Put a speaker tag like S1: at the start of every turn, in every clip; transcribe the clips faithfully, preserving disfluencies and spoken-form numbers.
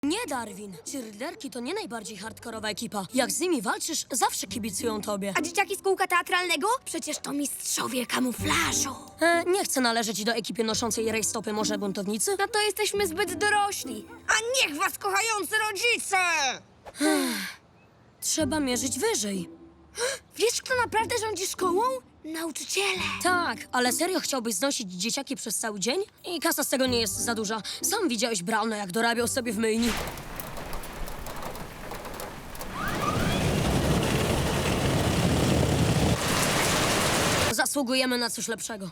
S1: Nie, Darwin. Cheerleaderki to nie najbardziej hardkorowa ekipa. Jak z nimi walczysz, zawsze kibicują tobie.
S2: A dzieciaki z kółka teatralnego? Przecież to mistrzowie kamuflażu.
S1: E, nie chcę należeć do ekipy noszącej rajstopy, może buntownicy?
S2: No to jesteśmy zbyt dorośli. A niech was kochający rodzice!
S1: Trzeba mierzyć wyżej.
S2: Wiesz, kto naprawdę rządzi szkołą? Nauczyciele.
S1: Tak, ale serio chciałbyś znosić dzieciaki przez cały dzień? I kasa z tego nie jest za duża. Sam widziałeś Brauna, jak dorabiał sobie w myjni. Zasługujemy na coś lepszego.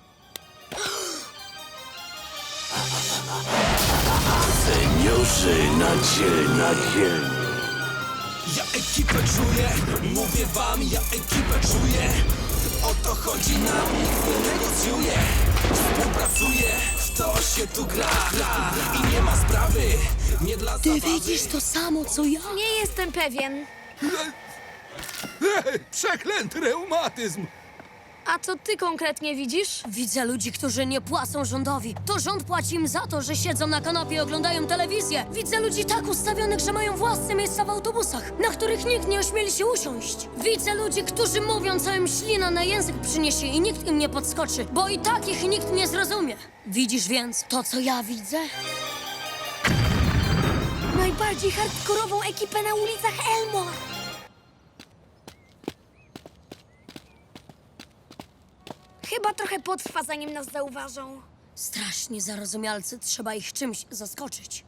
S3: Seniorzy na dziel, na dziel.
S4: Ja ekipę czuję, mówię wam, ja ekipę czuję. O to chodzi nam, nikt nie negocjuje. Współpracuje, w to się tu gra, gra. I nie ma sprawy, nie dla
S1: Ty
S4: zabawy.
S1: widzisz to samo, co ja?
S2: Nie jestem pewien.
S4: Ej, przeklęty reumatyzm!
S2: A co ty konkretnie widzisz?
S1: Widzę ludzi, którzy nie płacą rządowi. To rząd płaci im za to, że siedzą na kanapie i oglądają telewizję. Widzę ludzi tak ustawionych, że mają własne miejsca w autobusach, na których nikt nie ośmieli się usiąść. Widzę ludzi, którzy mówią, co im ślina na język przyniesie i nikt im nie podskoczy, bo i tak ich nikt nie zrozumie. Widzisz więc to, co ja widzę?
S2: Najbardziej hardkorową ekipę na ulicach Elmore. Chyba trochę potrwa, zanim nas zauważą.
S1: Strasznie zarozumialcy, trzeba ich czymś zaskoczyć.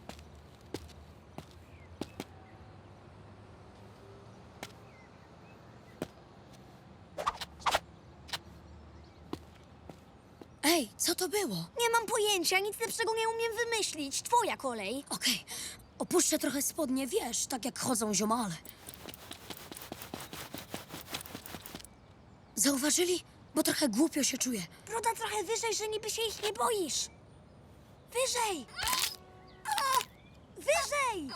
S1: Ej, co to było?
S2: Nie mam pojęcia, nic lepszego nie umiem wymyślić. Twoja kolej.
S1: Okej, opuszczę trochę spodnie, wiesz, tak jak chodzą ziomale. Zauważyli? Bo trochę głupio się czuję.
S2: Broda trochę wyżej, że niby się ich nie boisz. Wyżej! A! Wyżej!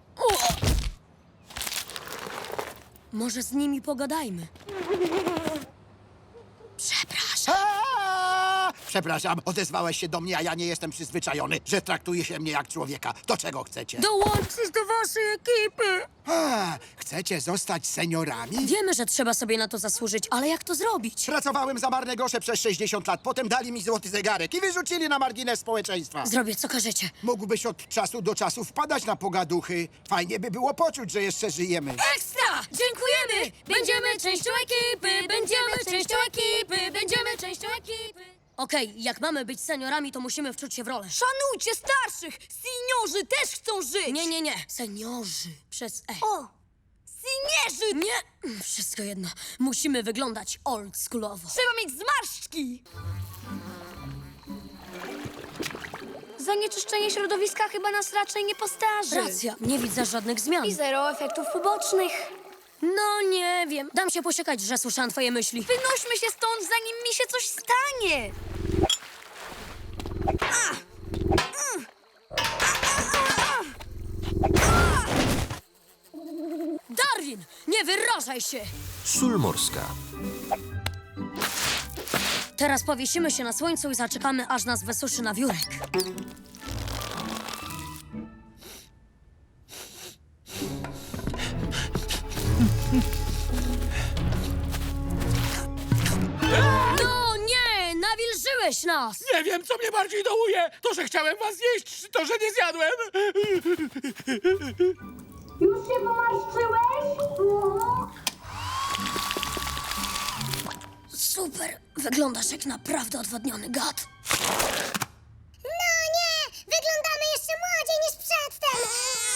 S1: Może z nimi pogadajmy. Przepraszam.
S3: Aaa! Przepraszam, odezwałeś się do mnie, a ja nie jestem przyzwyczajony, że traktuje się mnie jak człowieka. Do czego chcecie?
S1: Dołączysz do waszej ekipy!
S3: A, chcecie zostać seniorami?
S1: Wiemy, że trzeba sobie na to zasłużyć, ale jak to zrobić?
S3: Pracowałem za marne grosze przez sześćdziesiąt lat, potem dali mi złoty zegarek i wyrzucili na margines społeczeństwa.
S1: Zrobię, co każecie.
S3: Mógłbyś od czasu do czasu wpadać na pogaduchy. Fajnie by było poczuć, że jeszcze żyjemy.
S1: Ekstra! Dziękujemy! Będziemy częścią ekipy! Będziemy częścią ekipy! Będziemy częścią ekipy! Okej, jak mamy być seniorami, to musimy wczuć się w rolę.
S2: Szanujcie starszych! Seniorzy też chcą żyć!
S1: Nie, nie, nie. Seniorzy. Przez E.
S2: O! Seniorzy!
S1: Nie! Wszystko jedno. Musimy wyglądać oldschoolowo.
S2: Trzeba mieć zmarszczki! Zanieczyszczenie środowiska chyba nas raczej nie postarzy.
S1: Racja, nie widzę żadnych zmian.
S2: I zero efektów ubocznych.
S1: No nie wiem. Dam się posiekać, że słyszałam twoje myśli.
S2: Wynośmy się stąd, zanim mi się coś stanie!
S1: Darwin! Nie wyrażaj się!
S4: Sól morska.
S1: Teraz powiesimy się na słońcu i zaczekamy, aż nas wysuszy na wiórek. No nie! Nawilżyłeś nas!
S4: Nie wiem, co mnie bardziej dołuje. To, że chciałem was zjeść, czy to, że nie zjadłem.
S5: Już się pomarszczyłeś?
S1: Super! Wyglądasz jak naprawdę odwodniony gad.
S5: No nie! Wyglądamy jeszcze młodziej niż przedtem!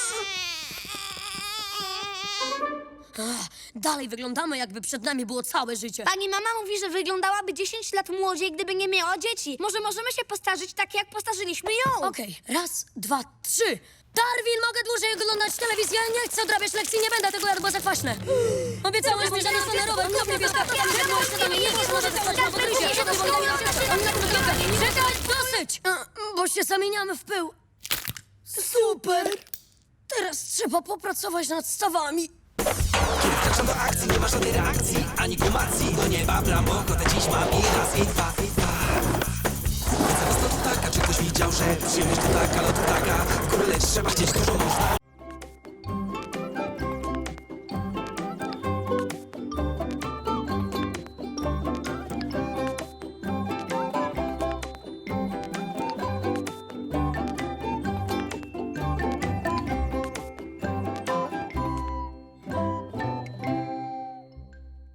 S1: Ach, dalej wyglądamy, jakby przed nami było całe życie.
S2: Pani mama mówi, że wyglądałaby dziesięć lat młodziej, gdyby nie miała dzieci. Może możemy się postarzyć tak, jak postarzyliśmy ją.
S1: Okej, raz, dwa, trzy. Darwin, mogę dłużej oglądać telewizję? Nie chcę odrabiać lekcji, nie będę tego jadł, bo za kwaśne. Obiecałeś mi, że nie stanę rower, kup niebieska. Nie wiesz, może zostać na pokryzie. Czekaj, dosyć! A, Bo się zamieniamy w pył. Super! Teraz trzeba popracować nad stawami.
S4: Kiedy wkraczam do akcji, nie ma żadnej reakcji, ani kumacji. Do nieba bramoko, te dziś mam i raz, i dwa, i dwa. Zaraz to taka, czy ktoś widział, że przyjemność to taka, no to taka. ale trzeba chcieć dużo można.